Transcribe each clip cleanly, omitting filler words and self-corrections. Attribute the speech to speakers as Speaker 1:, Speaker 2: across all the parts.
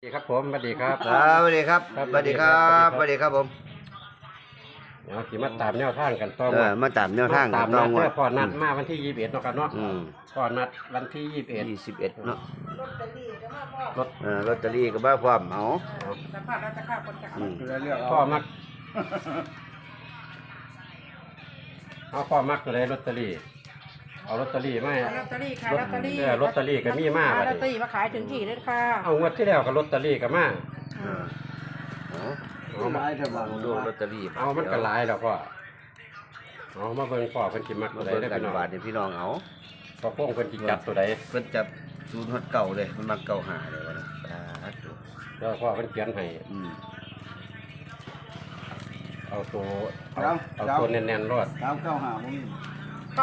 Speaker 1: สวัสดีครับผมสวัสดีครับ
Speaker 2: สวัสดีครับสวัสดีครับสวัสดีครับผม
Speaker 1: เดี๋ยวขี่มาตามแนวทางกันต่อ
Speaker 2: มาตามแนวทาง
Speaker 1: ตาม
Speaker 2: ต้
Speaker 1: นั
Speaker 2: อ
Speaker 1: ด
Speaker 2: ง
Speaker 1: เพื่อพอนัดมาวันที่21เนาะครับเนาะพอนัดวันที่
Speaker 2: 21เนาะ
Speaker 1: ลอตเตอรี่ก็มาพร้อม
Speaker 2: ลอตเตอรี่ก็มาพร้อมเอา
Speaker 3: สภาพราชการคนจะเอา
Speaker 1: พ่อมักเอาพ่อมักตัวใดลอตเตอรี่เอาลอตเตอรี่ไหม
Speaker 3: ลอตเตอรี่ขายลอตเตอรี่
Speaker 1: ลอตเตอรี่ก็มีมา
Speaker 3: ลอตเตอรี่มาขายถึงที่เลยค่ะ
Speaker 1: เอางวดที่แล้วกับลอตเตอรี่ก็มา
Speaker 2: เอามาดูลอตเตอรี่
Speaker 1: เอามันก็หลายแล้วพ่อเอามาเบิ่งพ่อเพิ่นสิมักตัวใดได้พี่น้อง
Speaker 2: พี่น้องเอา
Speaker 1: พ่อพงเพิ่นสิจับตัวใด
Speaker 2: เพิ่นจับศูนย์ฮอดเก่าเลยมันมาเก่าหาเลยวะนะ
Speaker 1: แล้วพ่อเพิ่นเขียนให้เอาตัวแน่นๆรอด
Speaker 2: 395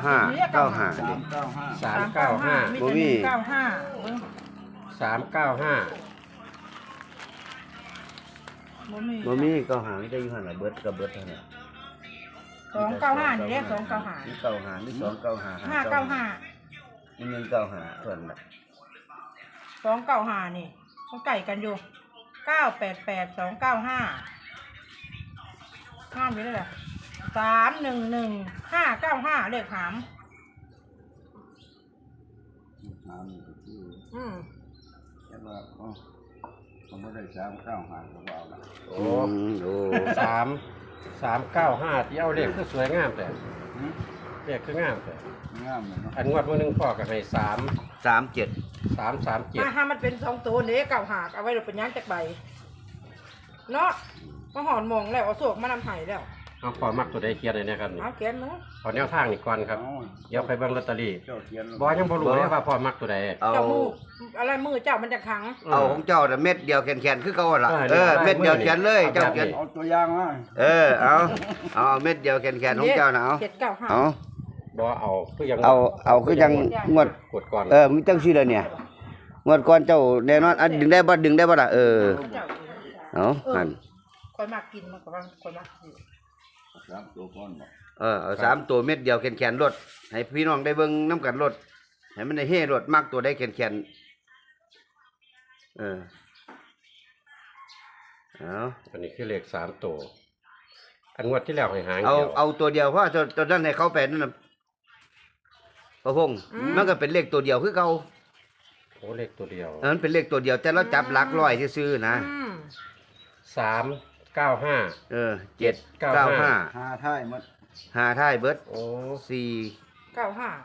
Speaker 3: บ่มี95
Speaker 2: บ่มีเก่าหาไม่ได้อยู่หั่นล่ะเบิดกับเบิดเท่านั้น
Speaker 3: 295นี่เด้295
Speaker 2: มีเก่าหามี295
Speaker 3: 595
Speaker 2: มี195ส่วนน่ะ
Speaker 3: 295นี่เขาไก่กันอยู่988 295ห้ามอยู่เลยล่ะ311 595เลขหาม
Speaker 4: แต่ว่าเขาไม่ได้395เขาเอาละ
Speaker 1: โอ้395ที่เอาเลขคือสวยงามแต่เลขคืองามแต่
Speaker 4: งามเลยเนาะ
Speaker 1: อันงวดมื้อนึงพ่อก็ให้
Speaker 2: 37
Speaker 3: ถ้ามันเป็น2ตัวนี้95เอาไว้เราเป็นย่างจักใบเนาะก็หอนมองแล้วเอาโศกมานำไห้แล้ว
Speaker 1: เอาพ่อมักตัวใดเขียนเลยนะครับ
Speaker 3: เอาเขียนเนาะ
Speaker 1: ขอแนวทางนี่ก่อนครับเดี๋ยวไปเบิ่งลอตเตอรี่บ่ยังบ่รู้เลยว่าพ่อมักตัวใด
Speaker 3: เจ้ามืออะไรมือเจ้ามันจะขัง
Speaker 2: เอาของเจ้าน่ะเม็ดเดียวแขนๆคือเก่าล่ะเม็ดเดียวเขียนเลยเจ้าเขียน
Speaker 4: เอาตัวอย่างมา
Speaker 2: เอาเม็ดเดียวแขนๆของเจ้าน่ะ
Speaker 3: 795
Speaker 2: เอา
Speaker 1: บ่เอาคือยัง
Speaker 2: เอาคือยังงวด
Speaker 1: กดก่อน
Speaker 2: มึงจังซี่เลยเนี่ยงวดก่อนเจ้าแน่นอนดึงได้บ่ล่ะเอาหั่น
Speaker 3: ค่อยมากกินมากกว่าค่อยมากกิน
Speaker 4: 3ตัวก่อนบ่
Speaker 2: เอา3ตัวเม็ดเดียวแขนๆรถให้พี่น้องได้เบิ่งนำกันรถให้มันได้เฮรถมักตัวได้แขน
Speaker 1: อันนี้คือเลข3ตัวอันงวดที่แล้วให้หางเดียว
Speaker 2: เอาตัวเดียวเพราะตัวนั้นให้เขาไปนั่นน่ะพระพงษ์มันก็เป็นเลขตัวเดียวคือเก่า
Speaker 1: โอ้เลขตัวเดียว
Speaker 2: มันเป็นเลขตัวเดียวแต่เราจับหลักร้อยซื่อๆนะ
Speaker 1: 395
Speaker 2: 795
Speaker 4: 5ท้ายหมด
Speaker 2: 5ท้ายเบิด
Speaker 1: โอ้
Speaker 3: 495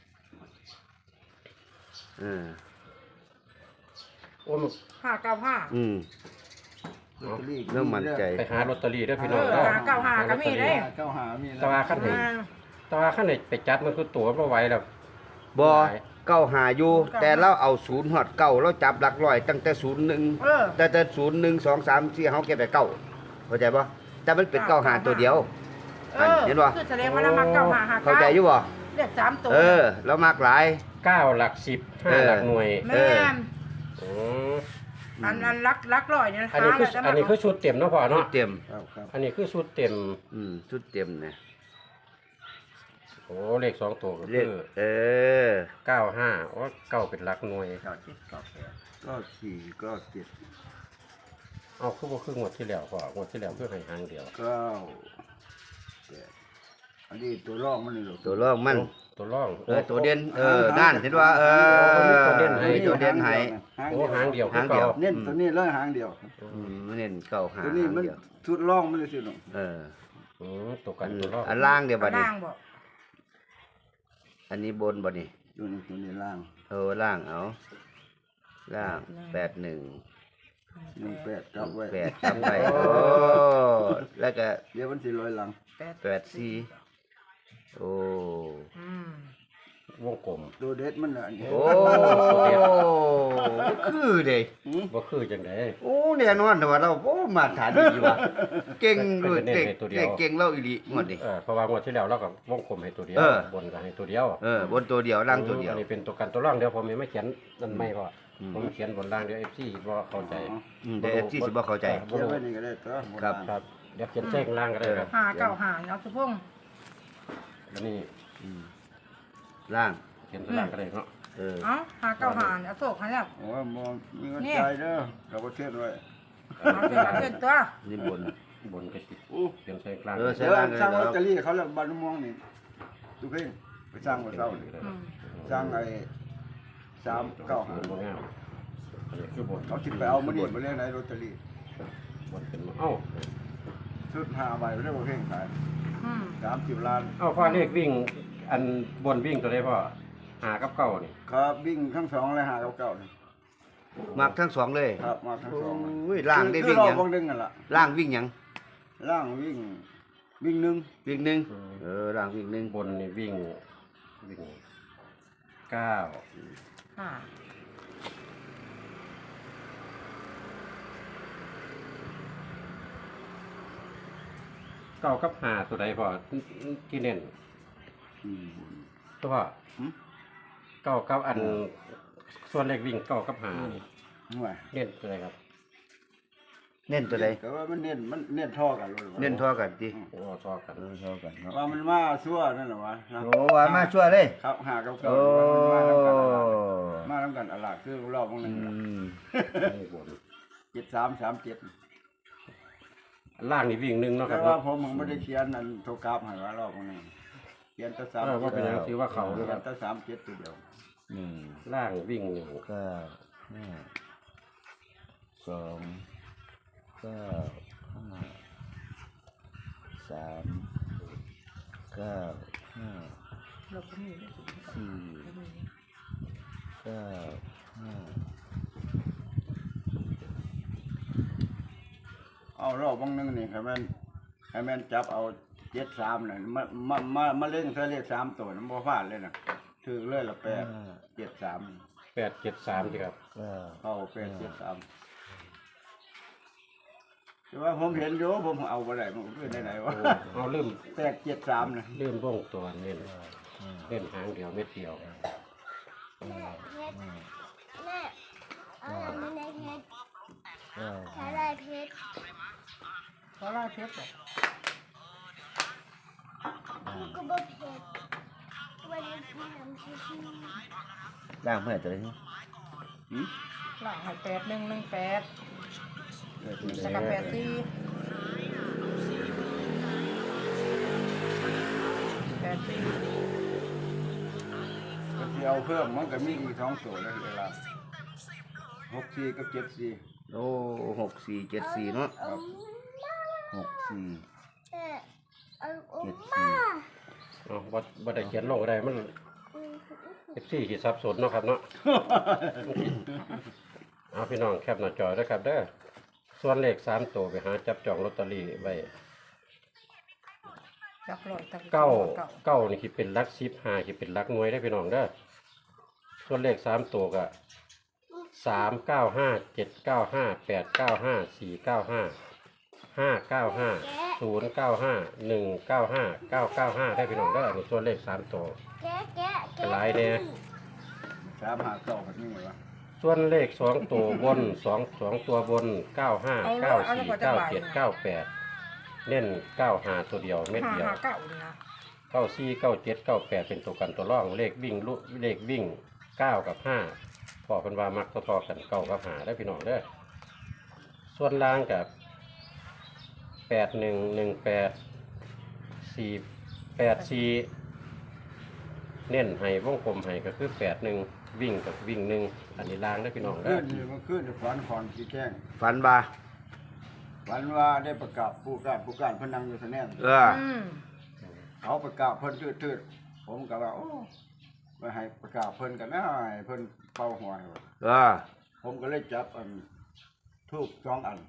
Speaker 1: โอ้
Speaker 3: 595
Speaker 2: เริ่มมั่นใจ
Speaker 1: ไปหาลอตเตอรี่ด้วยพี่น้อง
Speaker 3: 595ก็มีได้
Speaker 4: 95มี
Speaker 1: ตาขั้นไหนไปจัดมันคือตั๋วบ่ไหวแล้ว
Speaker 2: บ่95อยู่แต่เราเอา0ฮอด9เราจับหลักร้อยตั้งแต่01แต่01 2 3 4เฮาเก็บไป9เข้าใจบ่แต่มันเป็น95ตัวเดียวเห็นบ่
Speaker 3: คือแสดงว่าเรามัก9559
Speaker 2: เข้าใจอยู่บ่
Speaker 3: เลข3ตัว
Speaker 2: เรามักหลาย
Speaker 1: 9หลัก10 5หลักหน่วย
Speaker 3: แม่นอันลักร้อยเนี่ย
Speaker 1: อันนี้คือชุดเต็มเนาะพ่อเนาะ
Speaker 2: เต็ม
Speaker 1: อันนี้คือชุดเต็ม
Speaker 2: ชุดเต็มนะ
Speaker 1: โอ้เลข2ตัวก็
Speaker 2: คือ
Speaker 1: 95โอ้9เป็นหลักหน่วย
Speaker 4: ก็4ก็7
Speaker 1: เอาคือบ่คืองวดที่แล้วพ่องวดที่แล้วคือให้หางเดียว
Speaker 4: 9อันนี้ตัวรองมันนี่
Speaker 2: ตัวรองมัน
Speaker 1: ตัวร่อง
Speaker 2: ตัวเด่นนั่นเห็นว่า
Speaker 1: ตัวเด่นให้โอ้หางเดียว
Speaker 4: เน้นตัวนี้เลยหางเดียว
Speaker 2: เน้นเก่าหาง
Speaker 4: ตัวนี้มันชุดรองมันเลยสิลูก
Speaker 1: ตัวกันตัวร่อง
Speaker 2: อันล่างเดี๋ยวบัดนี้อันนี้บนบัดนี้
Speaker 4: ตัวนี้ล่าง
Speaker 2: ล่างเอาล่าง81
Speaker 4: 18กับไว้
Speaker 2: 8กับไว้แล้วก็
Speaker 4: เดี๋ยวมันสิลอยหลัง
Speaker 2: 84โอ้
Speaker 1: วงกลม
Speaker 4: ตัวเด็ดมันน่ะ
Speaker 2: คือเด้
Speaker 1: บ่คือจังได๋
Speaker 2: โอ้แน่นอนแต่ว่าเรามาฐานดีว่ะเก่งด้วยเก่งเราอีหลีงวดนี้
Speaker 1: เพราะว่างวดที่แล้วเราก็วงกลมให้ตัวเดียวบนก็ให้ตัวเดียว
Speaker 2: บนตัวเดียวล่างตัวเดียว
Speaker 1: อันนี้เป็นตัวกันตัวร่องเดี๋ยวผมไม่เขียนนั่นไม่พอผมเขียนบนล่างเดี๋ยว FC บ่เข้าใจ
Speaker 2: เดี๋ยว FC สิบ่เข้าใจ
Speaker 4: เขียนไว้นี่ก็ได้ตัว
Speaker 1: ครับเดี๋ยวเขียนแจ้งล่างก็ได้ครับ
Speaker 3: 595เอาสุพงษ์
Speaker 1: อันนี้
Speaker 2: ล่าง
Speaker 1: เขียนล่างก็ได้เนาะ
Speaker 3: เอ้าหาเก้าหาเอาโศกให้แล้ว
Speaker 4: โอ้ยบ่มีเงินใจายเด้อเราก็เทียนไว้
Speaker 3: เอาเป็นประเทศตัว
Speaker 2: นี่บน
Speaker 1: บนกระสิ
Speaker 4: อู้
Speaker 1: เขียนใส่กลาง
Speaker 2: ใส่
Speaker 4: เดี๋ยว
Speaker 2: ล่างเลย
Speaker 4: สร้างลอต
Speaker 2: ค
Speaker 4: เต
Speaker 2: รั
Speaker 4: อบ รี่เขาแล้วบ้านม่วงนี่ดูเพ่งไปสร้างบ่เซานี่
Speaker 3: อืม
Speaker 4: สร้างไอ้395
Speaker 1: บนงามอันนี้คือบน
Speaker 4: เขาสิไปเอามื้อนี้บ่เล่นไหนลอตเตอรี่
Speaker 1: บนเป็นเอ้า
Speaker 4: ชุด5ใบบ่ได้บ่เพ่งขาย
Speaker 3: อืม
Speaker 4: 30ล้าน
Speaker 1: เอ้าพ่อเลขวิ่ง อันบนวิ่งตัวใดพ่อหากับเก้านี่
Speaker 4: ครับวิ่งทั้งสองเลยหาเก่าๆนี่
Speaker 2: มักทั้งสองเลย
Speaker 4: ครับมาทั้งสอง
Speaker 2: โอ้ยล่างได้วิ่ง
Speaker 4: คือ
Speaker 2: ห
Speaker 4: ร
Speaker 2: ยั
Speaker 4: อง บางนึงนั่นล่ะ
Speaker 2: ล่างวิ่งหยัง
Speaker 4: ล่างวิ่งหนึ่ง
Speaker 2: วิ่งหนึ่งล่างวิ่งหนึ่ง
Speaker 1: บนนี่วิ่งเก้า
Speaker 3: อ่า
Speaker 1: เก้ากับหาตัวใดพ่อที่เน้นตัวพ่อเก้ากับอันส่วนเลขวิ่งเก้ากับหานี่
Speaker 4: ห่วย
Speaker 1: เน้นตัวใดครับ
Speaker 2: เน้นตัวใด
Speaker 4: แต่ว่ามันเน้นท่อกันเลย
Speaker 2: เน้นเท่ากันดิ
Speaker 1: โอ้ชอบกัน
Speaker 2: เท่ากันเนาะ
Speaker 4: ว่ามันมาชั่วนั่นแหละวะนะ
Speaker 2: โอ้ว่ามาช่วยเลย
Speaker 4: ครับหาเก่า
Speaker 2: โอ้
Speaker 4: ๆมาทำกันอะไรคือรอบบางนึง
Speaker 1: นี่บน
Speaker 4: 7337
Speaker 1: ล่างนี่วิ่งหนึ่งเนาะค
Speaker 4: แต่
Speaker 1: รับ
Speaker 4: ว่า
Speaker 1: เนาะ
Speaker 4: ผมไม่ได้เขียนนั่นโทรกราฟให้ว่ารอบบางนึงเขียนแต่3
Speaker 1: ว่าเป็นยังถือว่าเขา
Speaker 4: เขี
Speaker 1: นะ
Speaker 4: ย
Speaker 1: ครับ
Speaker 4: นแต่37ตัวเดียว
Speaker 1: ล่างวิ่งหนึ่ง
Speaker 2: 9 5 2 9 5 3 9 5
Speaker 3: เราก็มี
Speaker 2: 4 9
Speaker 4: เอารอบบางนึงนี่ให้มันจับเอา73น่ะมาเล่นใส่เลข3ตัวนั้นบ่พลาดเลยน่ะถือเลยละ873
Speaker 1: 873สิครับ
Speaker 2: 9
Speaker 4: เข้า873แต่ว่าผมเห็นอยู่ผมเอาบ่ได้มันคือไหนๆวะ
Speaker 1: เอาลืม
Speaker 4: 873น่ะ
Speaker 1: ลืมวงตัวเน้นเล่นหางเดียวเม็ดเดียว
Speaker 5: แม่เอาไม่ได้เพชรใช้ได้เพชร
Speaker 3: เพราะว่าเพชรบอก
Speaker 5: ก็บ่เพชรวันนี้พี่ทำชิชิ
Speaker 2: ล่างเมื่อไหร่ตัวนี้
Speaker 3: หลังให้8118สกับ84
Speaker 4: ก็สิเอาเพิ่มมันก็มีอีก2ตัวแล้วเวลา64กับ74
Speaker 2: โอ้6474เนาะ
Speaker 5: เอา
Speaker 2: 64
Speaker 5: เอา
Speaker 2: 74
Speaker 1: เอาบ่ได้เขียนลงก็ได้มัน14ขีดสับสนเนาะครับเนาะ เอาพี่น้องแคปหน้าจอด้วยครับเด้อส่วนเลข3ตัวไปหาจับจองลอตเตอรี่ไว้
Speaker 3: จับร้อยตะ
Speaker 1: เก้านี่คิดเป็นหลัก10 5คิดเป็นหลักหน่วยได้อพี่น้องเด้อส่วนเลข3ตัวก็395 795 895 495 595 095 195 995ได้พี่น้องเด้อนี่ส่วนเลข3ตัว
Speaker 5: แกะแกะแกะ
Speaker 1: หลายแน่
Speaker 4: 359ก็นี่ไงวะ
Speaker 1: ส่วนเลข2ตัวบน2ตัวบน95 94 97 98เน้น95ตัวเดียวเม็ดเดียว
Speaker 3: 559นี่นะ
Speaker 1: 94 97 98เป็นตัวกันตัวร่องเลขวิ่งเลขวิ่ง9กับ5พอเป็นว่ามักทอๆกัน9กับ5ได้พี่น้องเด้อส่วนล่างกับ8118 484เน้นให้วงกลมให้ก็คือ81วิ่งกับวิ่ง1อันนี้ล่างได้อพี่น้องเด้
Speaker 4: ขึ้
Speaker 1: อน
Speaker 4: นี่มันขึ้นฝันคอนที่แจ้ง
Speaker 2: ฝันบ่า
Speaker 4: ฝันว่าได้ประกาศผู้การเพนนังอยู่สแนน
Speaker 3: อืม
Speaker 4: เขาประกาศเพิ่นทืดๆผมก็ว่าโอ้ไปให้ประกาศเพิ่นกันนะให้เพิ่นเป่าหัวให้ว่าผมก็เลยจับอันทูบ2อัน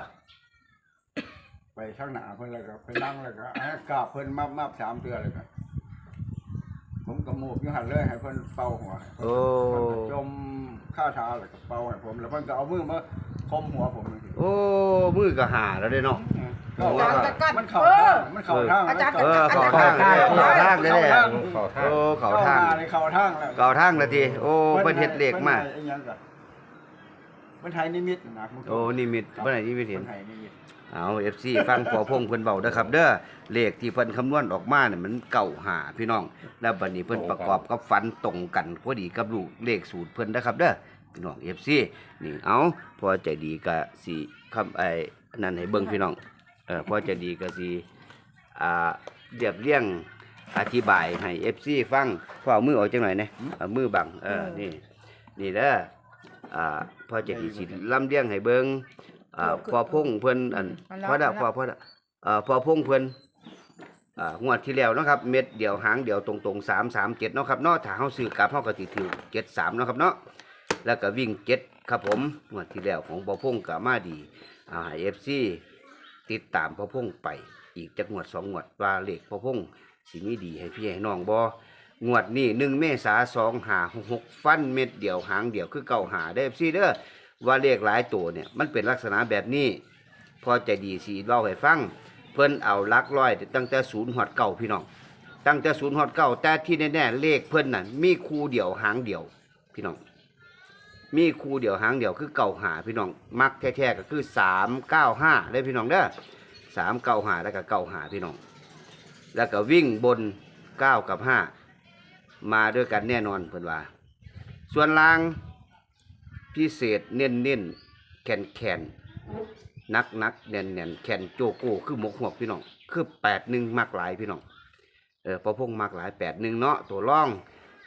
Speaker 4: ไปข้างหน้าเพิ่นแล้วก็ไปนั่งแล้วก็ให้กราบเพิ่นมา3เดือนเลยก็ผมก็มูกอยู่หันเลยให้เพิ่นเป่าหัวให้เพิ่น
Speaker 2: โอ้
Speaker 4: เพิ่นก็จมข้าเท้าแล้วก็เป่าให้ผมแล้วเพิ่นก็เอามือมาคมหัวผมนี่
Speaker 2: โอ้มือก็หาแล้วเด้เนาะ
Speaker 4: มันเข้าทาง
Speaker 3: อาจารย์
Speaker 2: เข้าทางเลย
Speaker 1: เข้าทาง
Speaker 2: โอ้เข้าทาง
Speaker 4: เข้าทางแล้ว
Speaker 2: เข้าทางแล้วทีโอ้เพิ่นเฮ็ดเลขมา
Speaker 4: ไอ้หยังก็มันไทยนิมิตนะคุณ
Speaker 2: โอ้นิมิตเมื่อไหร่นิมิตเห็น
Speaker 4: ไทยนิมิต
Speaker 2: เอา FC ฟังพอพงเพิ่นเว้าเด้อครับเด้อเลขที่เพิ่นคำนวณออกมาเนี่ยมันเก่าหาพี่น้องแล้วบัดนี้เพิ่นประกอบกับฝันตรงกันพอดีกับลูกเลขสูตรเพิ่นนะครับเด้อพี่น้อง FC นี่เอาพอใจดีก็สิคำไอ้นั่นให้เบิ่งพี่น้องพอใจดีก็สิเรียบเรียงอธิบายให้ FC ฟังพอเอามือออกจังหน่อยนะเอามือบังนี่เด้อพอใจดีสิลำเลียงให้เบิ่งพอพงเพิ่นพอพอพงเพิ่นงวดที่แล้วเนาะครับเม็ดเดียวหางเดียวตรงๆ337เนาะครับเนาะถ้าเฮาซื้อกลับเฮาก็สิถือ73เนาะครับเนาะแล้วก็วิ่ง7ครับผมงวดที่แล้วของพอพงก็มาดีให้ FC ติดตามพอพงไปอีกจักงวด2งวดว่าเลขพอพงสิมีดีให้พี่ให้น้องบ่งวดนี้1เมษายน2566ฟันเม็ดเดียวหางเดียวคือเก่าหาได้ FC เด้อว่าเลขหลายตัวเนี่ยมันเป็นลักษณะแบบนี้พอใจดีสีเล่าให้ฟังเพิ่นเอาหลักร้อยตั้งแต่0ฮอด9พี่น้องตั้งแต่0ฮอด9แต่ที่แน่ๆเลขเพิ่นน่ะมีคู่เดียวหางเดียวพี่น้องมีคู่เดียวหางเดียวคือเก่าหาพี่น้องมักแท้ๆก็คือ395เลยพี่น้องเด้อ395แล้วก็95พี่น้องแล้วก็วิ่งบน9กับ5มาด้วยกันแน่นอนเพิ่นว่าส่วนล่างพิเศษเน้นๆแข็งนักแน่นแข็งโจโก้คือหมกหัวพี่น้องคือ81มักหลายพี่น้องพอพงมักหลาย81เนาะตัวร่อง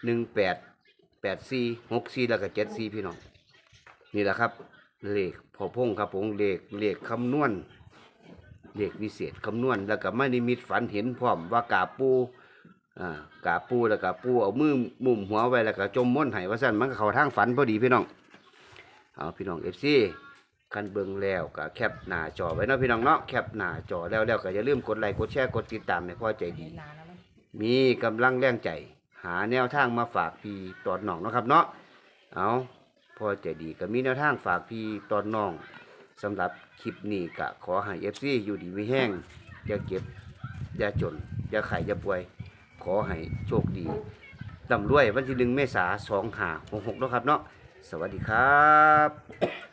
Speaker 2: 18 84 64แล้วก็74พี่น้องนี่แหละครับเลขพอพงครับผมเลขคำนวณเลขวิเศษคำนวณแล้วก็ไม่นิมิตฝันเห็นพร้อมว่ากาปูแล้วก็ปูเอามือมุมหัวไว้แล้วก็จมม้วนไห้ว่าซั่นมันก็เข้าทางฝันพอดีพี่น้องเอาพี่น้อง FC คันเบิ่งแล้วก็แคปหน้าจอไว้เนาะพี่น้องเนาะแคปหน้าจอแล้วก็อย่าลืมกดไลค์กดแชร์กดติดตามให้พ่อใจดีมีกำลังแรงใจหาแนวทางมาฝากพี่ตอนน้องเนาะครับเนาะเอาพ่อใจดีก็มีแนวทางฝากพี่ตอนน้องสำหรับคลิปนี้ก็ขอให้ FC อยู่ดีมีแห้งอย่าเก็บอย่าจนอย่าไข้อย่าป่วยขอให้โชคดีร่ำรวยวันที่1 เมษายน2566เนาะครับเนาะสวัสดีครับ